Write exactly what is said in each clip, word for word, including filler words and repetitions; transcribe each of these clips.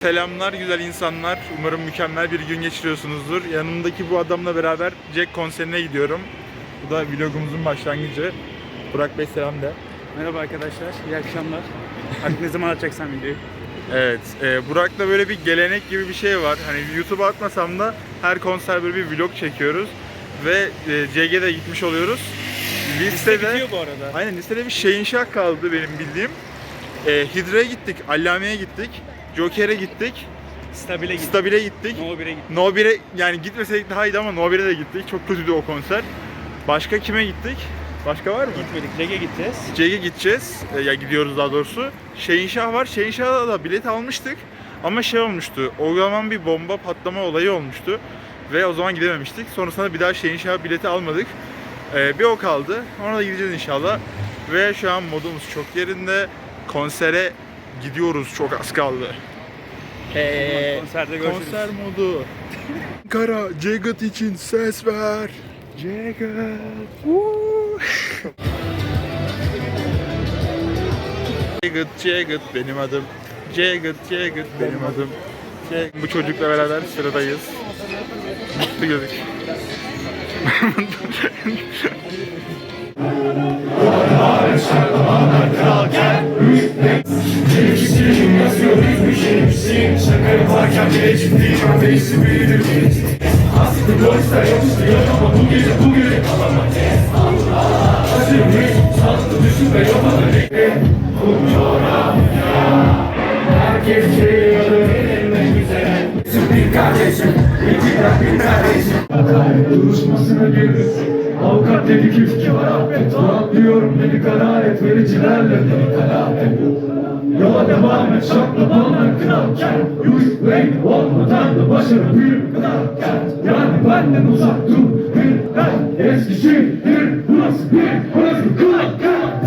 Selamlar güzel insanlar. Umarım mükemmel bir gün geçiriyorsunuzdur. Yanımdaki bu adamla beraber Jack konserine gidiyorum. Bu da vlogumuzun başlangıcı. Burak Bey selam de. Merhaba arkadaşlar, iyi akşamlar. Artık ne zaman atacaksan videoyu? Evet, e, Burak'la böyle bir gelenek gibi bir şey var. Hani YouTube'a atmasam da her konser böyle bir vlog çekiyoruz. Ve e, C G'de gitmiş oluyoruz. Liste Listede, bitiyor bu arada. aynen listede bir Şehinşah kaldı benim bildiğim. E, Hidra'ya gittik, Allame'ye gittik, Joker'e gittik, Stabile gittik. Stabil'e gittik. No bir'e gittik. No bir'e yani gitmeseydik daha iyiydi ama No bir'e de gittik. Çok kötüydü o konser. Başka kime gittik? Başka var mı? Gitmedik, Leg'e gideceğiz. C G'ye gideceğiz. E, ya gidiyoruz daha doğrusu. Şehinşah var. Şehinşah'da da bilet almıştık. Ama şey olmuştu. O zaman bir bomba patlama olayı olmuştu. Ve o zaman gidememiştik. Sonrasında bir daha Şehinşah bileti almadık. E, bir o kaldı. Ona da gideceğiz inşallah. Ve şu an modumuz çok yerinde. Konsere gidiyoruz. Çok az kaldı. Eee Konserde görüşürüz. konser modu. Kara Jagged için ses ver. Jagged. Jagged, Jagged benim adım. Jagged, Jagged benim adım. Jagged. Bu çocukla beraber sıradayız. Mutlu gözük. Şaka yaparken bile ciddiyim ateşi büyüdüm. Aslında boşta yapıştı yok ama bu gece bu gece kalamam. Hazırmış sandı düşün ve yapana bekle. Bu coğrafya herkes geliyordu benimle güzel. Bir kardeşim, iki bırak bir kardeşim. Duruşmasına girdi. Avukat dedi ki iki var affet. Rahatlıyorum dedi kanaat vericilerle dedi kanaat. Yola devam et şaklabanlar kralken Yuş renk olmadan da başarı büyük kralken Yani benden uzak dur bir ben Eskişehir burası bir burası bir kralken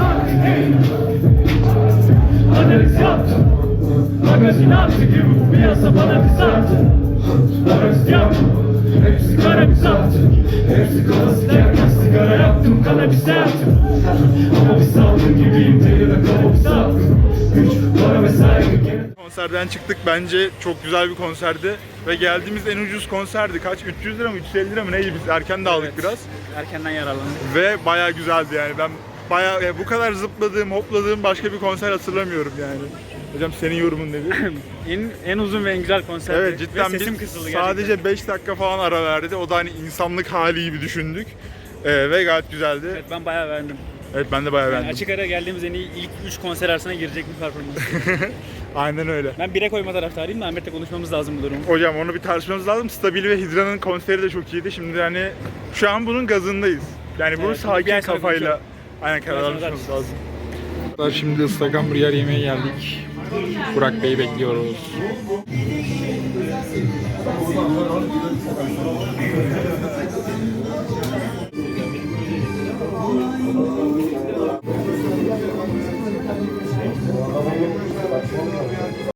Analiz yaptım Magazin attı gibi bu piyasa bana bir sattı Analiz yaptım Hepsi kara bir sattı Hepsi klasik yerken sigara yaptım kanabis yaptım Ama bir salgın gibiyim deli ve kafa bir salgın Güç, para ve saygı. Konserden çıktık. Bence çok güzel bir konserdi. Ve geldiğimiz en ucuz konserdi. Kaç? üç yüz lira mı? üç yüz elli lira mı? Neydi? Biz erken de aldık Evet. biraz. Erkenden yararlandık. Ve bayağı güzeldi yani. Ben bayağı yani bu kadar zıpladığım, hopladığım başka bir konser hatırlamıyorum yani. Hocam senin yorumun nedir? En en uzun ve en güzel konserdi. Evet cidden ve sesim biz kısıldı gerçekten. sadece beş dakika falan ara verdi. O da hani insanlık hali gibi düşündük. Ee, ve gayet güzeldi. Evet, ben bayağı beğendim. Evet ben de bayağı Yani beğendim. açık ara geldiğimiz en iyi ilk üç konser arasına girecek bir performans. Aynen öyle. Ben bire koyma taraftarıyım da Ahmet'le konuşmamız lazım bu durumu. Hocam onu bir tartışmamız lazım. Stabil ve Hidra'nın konseri de çok iyiydi. Şimdi hani şu an bunun gazındayız. Yani bunu Evet, bir sakin ay sonra kafayla konuşalım. aynen karar sonra almamız tartışırız. lazım. Şimdi ıslak hamburger yemeye geldik. Burak Bey'i bekliyoruz.